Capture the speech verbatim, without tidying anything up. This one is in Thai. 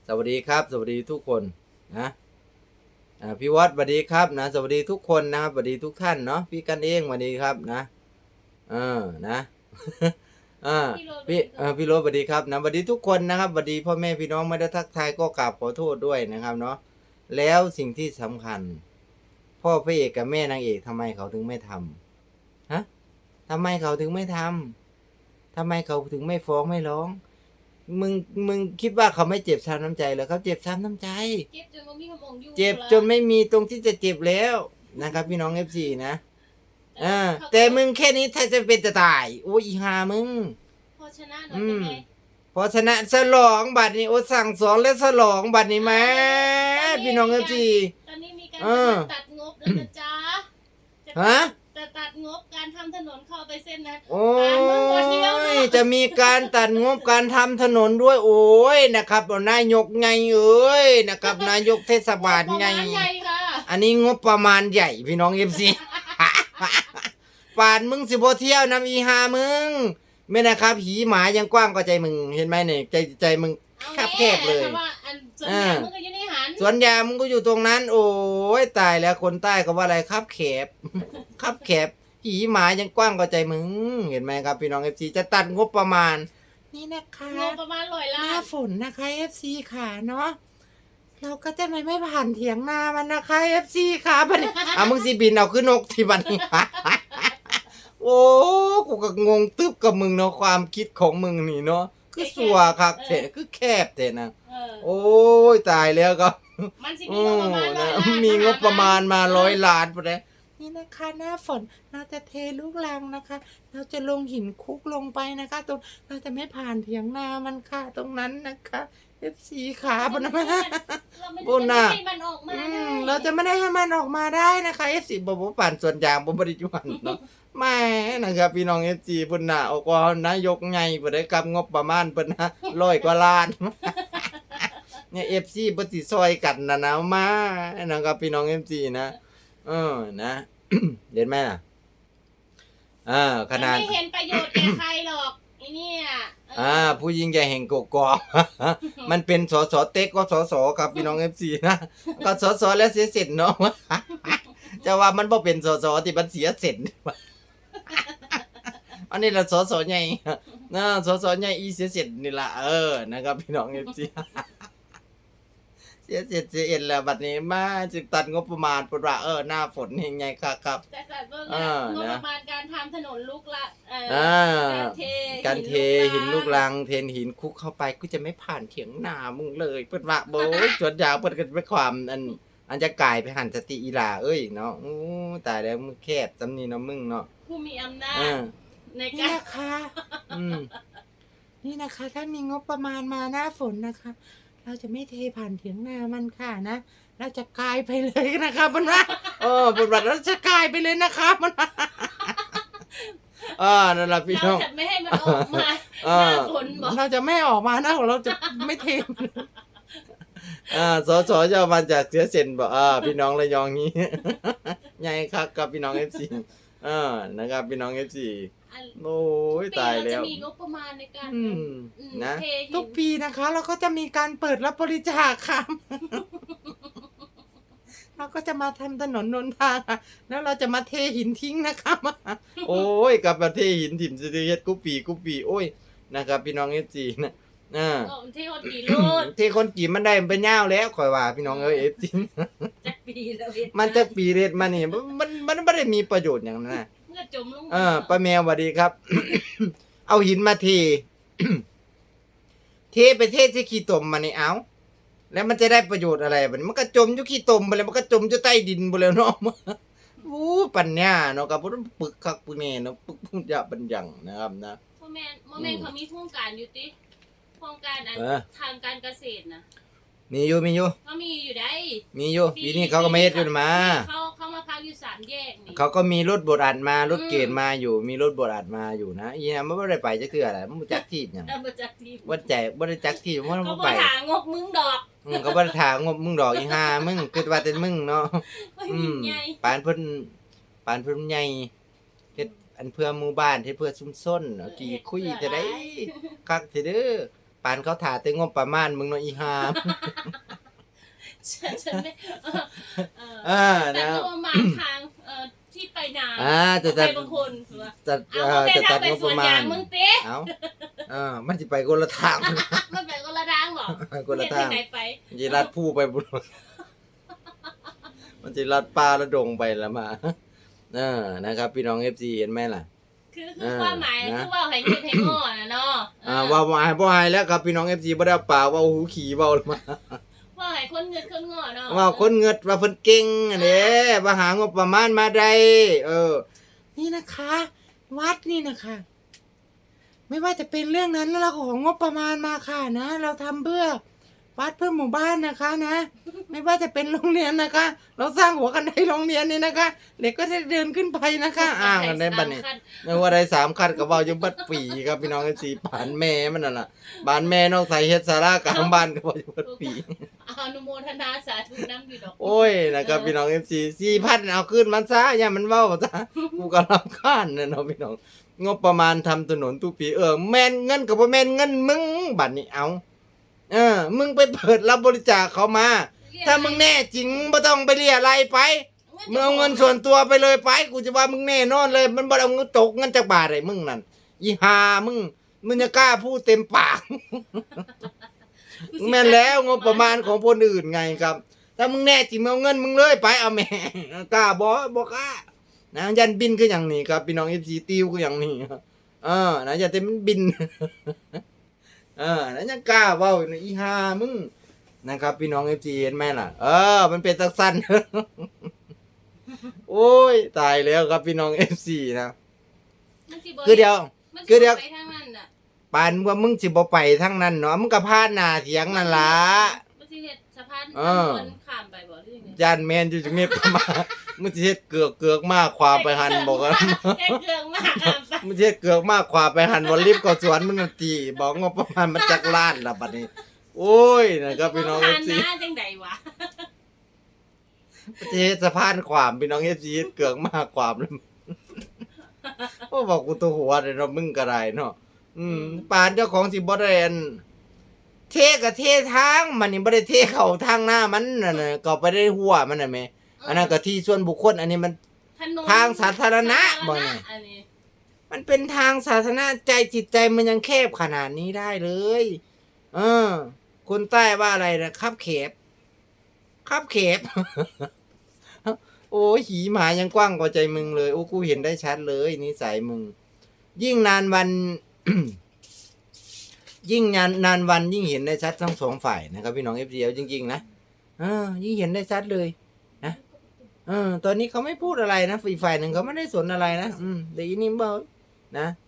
สวัสดีครับสวัสดีทุกคนนะอ่าพี่วัดสวัสดีครับนะสวัสดีทุกคนนะครับสวัสดีทุกท่านเนาะพี่กันเองสวัสดีครับนะเออนะอ่าพี่เออพี่โรสสวัสดีครับนะสวัสดีทุกคนนะครับสวัสดีพ่อแม่พี่น้องไม่ได้ทักทายก็กราบขอโทษด้วยนะครับเนาะแล้วสิ่งที่สำคัญพ่อพระเอกกับแม่นางเอกทำไมเขาถึงไม่ทำฮะทำไมเขาถึงไม่ทำทำไมเขาถึงไม่ฟ้องไม่ร้องมึงมึงคิดว่าเขาไม่เจ็บช้ำน้ำใจเหรอเขาเจ็บช้ำน้ำใจเจ็บจนบ่มีคำองอยู่เจ็บจนไม่มีตรงที่จะเจ็บแล้วนะครับพี่น้องเอฟซีนะอ่าแต่มึงแค่นี้ถ้าจะเป็นจะตายโอ้ยอีหามึงพอชนะหน่อยเป็นไงพอชนะฉลองบัตรนี้โอ้สั่งสอนและฉลองบัตรนี้มาพี่น้องเอฟซีตอนนี้มีการตัดงบแล้วนะจ๊ะฮะจะตัดงบการทำถนนเข้าไปเส้นนั้นโอ้ยจะมีการตัดงบการทำถนนด้วยโอ้ยนะครับนายกไงเอ้ยนะครับนายกเทศบาลไงอันนี้งบประมาณใหญ่พี่น้องเอฟซีป่านมึงสิบเที่ยวนำอีหามึงไม่นะครับหีหมายังกว้างกว่าใจมึงเห็นไหมเนี่ยใจใจมึงแคบแคบเลยสวนยางมึงก็อยู่ตรงนั้นโอ้ยตายแล้วคนใต้ก็ว่าอะไรครับแคบครับแคบหีหมายังกว้างกว่าใจมึงเห็นไหมครับพี่น้องเอฟซีจะตัดงบประมาณนี่นะคะงบประมาณร้อยล้านหน้าฝนนะคะเอฟซีค่ะเนาะเราก็จะไม่ไม่ผ่านเถียงนามันนะคะเอฟซีค่ะบัดนี้อ่ะมึงสิบินเอาขึ้นนกที่บัดนี้โอ้กูก็งงตึ๊บกับมึงเนาะความคิดของมึงนี่เนาะคือสัวคักเถอะคือแคบเถอะนะโอ้ยตายแล้วก็มันสิมีงบประมาณร้อยล้านมีงบประมาณมาร้อยล้านไปเลยนี่นะคะหน้าฝนเราจะเทลูกรังนะคะเราจะลงหินคุกลงไปนะคะตรงเราจะไม่ผ่านเถียงนามันค่ะตรงนั้นนะคะเอฟซีขาบนนะบนน่ะเราจะไม่ได้ให้มันออกมาได้นะคะเอฟซีบบปั่นส่วนยางบบริจุบันเนาะไม่นะครับพี่น้องเอฟซีพุ่นน่ะออกว่านายกไงบ่ได้กำงบประมาณเพิ่นนะร้อยกว่าล้านเนี่ยเอฟซีบ่สิซอยกันนะนะมานะครับพี่น้องเอฟซีนะเออนะเห็นไหมล่ะอ่าขนาดไม่เห็นประโยชน์แก่ใครหรอกไอ้นี่อ่าผู้ยิ่งใหญ่แห่งกกอกมันเป็นสสเต็กก็สสครับพี่น้องเอฟซีนะก็สสแล้วเสียเสร็จเนาะจะว่ามันบ่เป็นสสที่มันเสียเสร็จอันนี้ละสสใหญ่นะสสใหญ่อีเสียเสร็จนี่ล่ะเออนะครับพี่น้องเอฟซีเสียเสร็จเสียเอ็นแล้วบัดนี้มาจึงตัดงบประมาณปว่าเออหน้าฝนยังไงครับครับแต่แต่ก็งบประมาณการทำถนนลูกละเออการเทการเทหินลูกรังเทหินคุกเข้าไปก็จะไม่ผ่านเถียงนามึงเลยเปิดว่าโบยจดยาวเปิดกันไปความอันอันจะกลายไปหันสติอีลาเอ้ยเนาะอู้ตายแล้วมึงแคบจำนี่เนาะมึงเนาะผู้มีอำนาจในการนี่นะคะอืมนี่นะคะถ้ามีงบประมาณมาหน้าฝนนะคะเราจะไม่เทผ่านเถียงนามันค่ะนะเราจะกลายไปเลยนะคะมันว่าเออบทบาทเราจะกลายไปเลยนะคะมันอ่านั่นแหละพี่น้องเราจะไม่ให้มันออกมาหน้าฝนบอกเราจะไม่ออกมาหน้าของเราจะไม่เทอ่าสอสอจะมาจากเสียเซนบอกอ่าพี่น้องระยองนี้ไงครับกับพี่น้องเอฟซีอ่านะครับพี่น้องเอฟซีโอ้ยตายแล้วจะมีงบประมาณในการนะทุกปีนะคะเราก็จะมีการเปิดรับบริจาคค่ะเราก็จะมาทำถนนนนทางแล้วเราจะมาเทหินทิ้งนะคะโอ้ยกับมาเทหินถิ่มจะเฮ็ดกุปีกุปีโอ้ยนะครับพี่น้องเอฟซีนะอ่าเทคนกี่โลดเทคนกี่มันได้เป็นยาวแล้วข่อยว่าพี่น้องเอ้ยเอฟซีมันจะปีเร็ดมานี่มันมันไม่ได้มีประโยชน์อย่างนั้นนะเมื่อจมลงเออป้าแมวสวัสดีครับ เอาหินมาเท เทไปเทที่ขี้ตมมานี่เอาแล้วมันจะได้ประโยชน์อะไรบัดนี้มันก็จมอยู่ขี้ตมไปแล้วมันก็จมอยู่ใต้ดินไปแล้วเนาะอู้ปัญญาเนาะครับผมปึกคักปึกแน่เนาะปึกพุ่งจะบัญญังนะครับนะโมเมนต์โมเมนต์เขามีโครงการอยู่ติโครงการอันทางการเกษตรนะมีอยู่มีอยู่เขามีอยู่ได้มีอยู่ปีนี้เขาก็ไม่เฮ็ดอยู่มาเขาเขามาพักอยู่สามแยกนี่เขาก็มีรถบดอัดมารถเกณฑ์มาอยู่มีรถบดอัดมาอยู่นะอีนะมันไม่ได้ไปจะคืออะไรมันบ่จักที่หยังบ่จักที่บ่ใจบ่ได้จักที่มันบ่ไปเขาบ่ถางบมึงดอกอืมเขาบ่ได้ถางบมึงดอกอีห่ามึงคิดว่าแต่มึงเนาะอืมปานเพิ่นปานเพิ่นใหญ่เฮ็ดอันเพื่อหมู่บ้านเฮ็ดเพื่อชุมชนกี่คุยจะได้คักสิเด้อปานเขาถ่าแต่งบประมาณมึงเนาะอีหามฉันฉันไม่เออเอออ่าแต่นะก็ประมาณทางเอ่อที่ไปนาอ่าจะจัดไปบางคนหรือว่าจัดเอาเอ่อไปจะทาจังดไปงบสปวนระมาณยางมึงเต้เอาอ่ามันสิไปคนละทางมันไปคนละทางเหรอคนละทางเห็นไหนไปมันสิลัดผู้ไปบุญ มันสิลัดป่าละดงไปละมาเออนะครับ พี่น้อง เอฟ ซี เห็นไหมล่ะคือคือเออความหมายนะคือว่าให้เงินให้งอนะเนาะอ่าว่าบ่ให้บ่ให้แล้วครับพี่น้อง เอฟ ซี บ่ได้เอาปากว่าหูขี่เว้าละมาว่าให้คนเงินคนงอเนาะว่าคนเงิดว่าเพิ่นเก่งอันเด้ว่าหางบประมาณมาได้เออ นี่นะคะ วัดนี่นะคะ ไม่ว่าจะเป็นเรื่องนั้นแล้วเราของงบประมาณมาค่ะนะ เราทำเพื่อวัดเพื่อหมู่บ้านนะคะนะ ไม่ว่าจะเป็นโรงเรียนนะคะ เราสร้างหัวกันไดโรงเรียนนี่นะคะเด็กก็จะเดินขึ้นไปนะคะอ่างกันได้บัดนี้ ไม่ว่าได้สามคันก็เว้าอยู่เบัดปีครับพี่น้องเอฟซีบ้านแม่มันนั่นล่ะบ้านแม่นอกใส่เฮ็ดศาลากลางบ้านก็เว้าอยู่เบัดปีเอาอนุโมทนาสาธุน้ำอยู่ดอกโอ้ยนะครับพี่น้อง เอฟ ซี สี่พันเอาขึ้นมันซะอย่ามันเว้าซะกูก็รำคาญนะเนาะพี่น้องงบประมาณทำถนนทุกปีเออแม่นเงินก็บ่แม่นเงินมึงบัดนี้เอาเออมึงไปเปิดรับบริจาคเขามา ถ้ามึงแน่จริงบ่ต้องไปเรียอะไรไปมึงเอาเงินส่วนตัวไปเลยไปกูจะว่ามึงแน่นอนเลยมันบ่เอาเงินตกเงินจากบาทไอ้มึงนั่นอีหามึงมึงจะกล้าพูดเต็มปาก แม่นแล้วงบประมาณของคนอื่นไงครับ ถ้ามึงแน่จริงมึงเอาเงินมึงเลยไปเอาแม่กล้าบ่บ่กล้านะยันบินคืออย่างนี้ครับพี่น้อง เอฟ ซี ติวคืออย่างนี้เออนะอย่าแต่มันบิน เออนะยังกล้าเว้าอีหามึงนะครับพี่น้อง เอฟ ซี เห็นไหมล่ะเออมันเป็นตักสั้น โอ้ยตายแล้วครับพี่น้อง เอฟ ซี นะมันสิบ่คือเดียวมันสิคือเดี๋ยวไปทางนั้นน่ะปานว่ามึงสิบ่ไปทั้งนั้นเนาะมึงก็พาดหน้าเถียงนั่นล่ะมันสิเฮ็ดสะพานเออมันข้ามไปบ่หรือยังไงย่านแม่นอยู่จังนี้ประมาณ มึงสิเฮ็ดเกือกเกือกมากความไปหันบอกว่าแค่เครื่องมากข้ามไปมึงสิเฮ็ดเกือกมากความไปหันบ่รีบก็สวนมึงนั่นตีบอกงบประมาณมันจักล้านล่ะบัดนี้ โอ้ยนะครับพี่น้องมัเอสิฟ ซีบ่ผ่านหน้าจังใดวะประเทศสะพานความพี่น้อง เอฟ ซี เฮ็ดเกือกมากความเลย โอ้บอกกูตัวหัวเลยเนาะมึงก็ได้เนาะอืมปานเจ้าของสิบ่ได้อันเทก็เททางมันนี่บ่ได้เทเข้าทางหน้ามันน่ะน่ะก็ไปได้หัวมันน่ะแม่อันนั้นก็ที่ส่วนบุคคลอันนี้มันถนนทางสาธารณะบ่เนี่ยอันนี้มันเป็นทางสาธารณะใจจิตใจมันยังแคบขนาดนี้ได้เลย เออ คนใต้ว่าอะไรนะคับเขบคับเขบ โอ้ยหีหมายังกว้างกว่าใจมึงเลยโอ้กูเห็นได้ชัดเลยนิสัยมึง ยิ่งนานวัน ยิ่งนานนานวันยิ่งเห็นได้ชัดทั้งสองฝ่ายนะครับพี่น้องเอฟซีจริงๆนะเออยิ่งเห็นได้ชัดเลยนะเออตอนนี้เขาไม่พูดอะไรนะอีกฝ่ายหนึ่งเขาไม่ได้สนอะไรนะอืมแต่อีนี่บอกนะ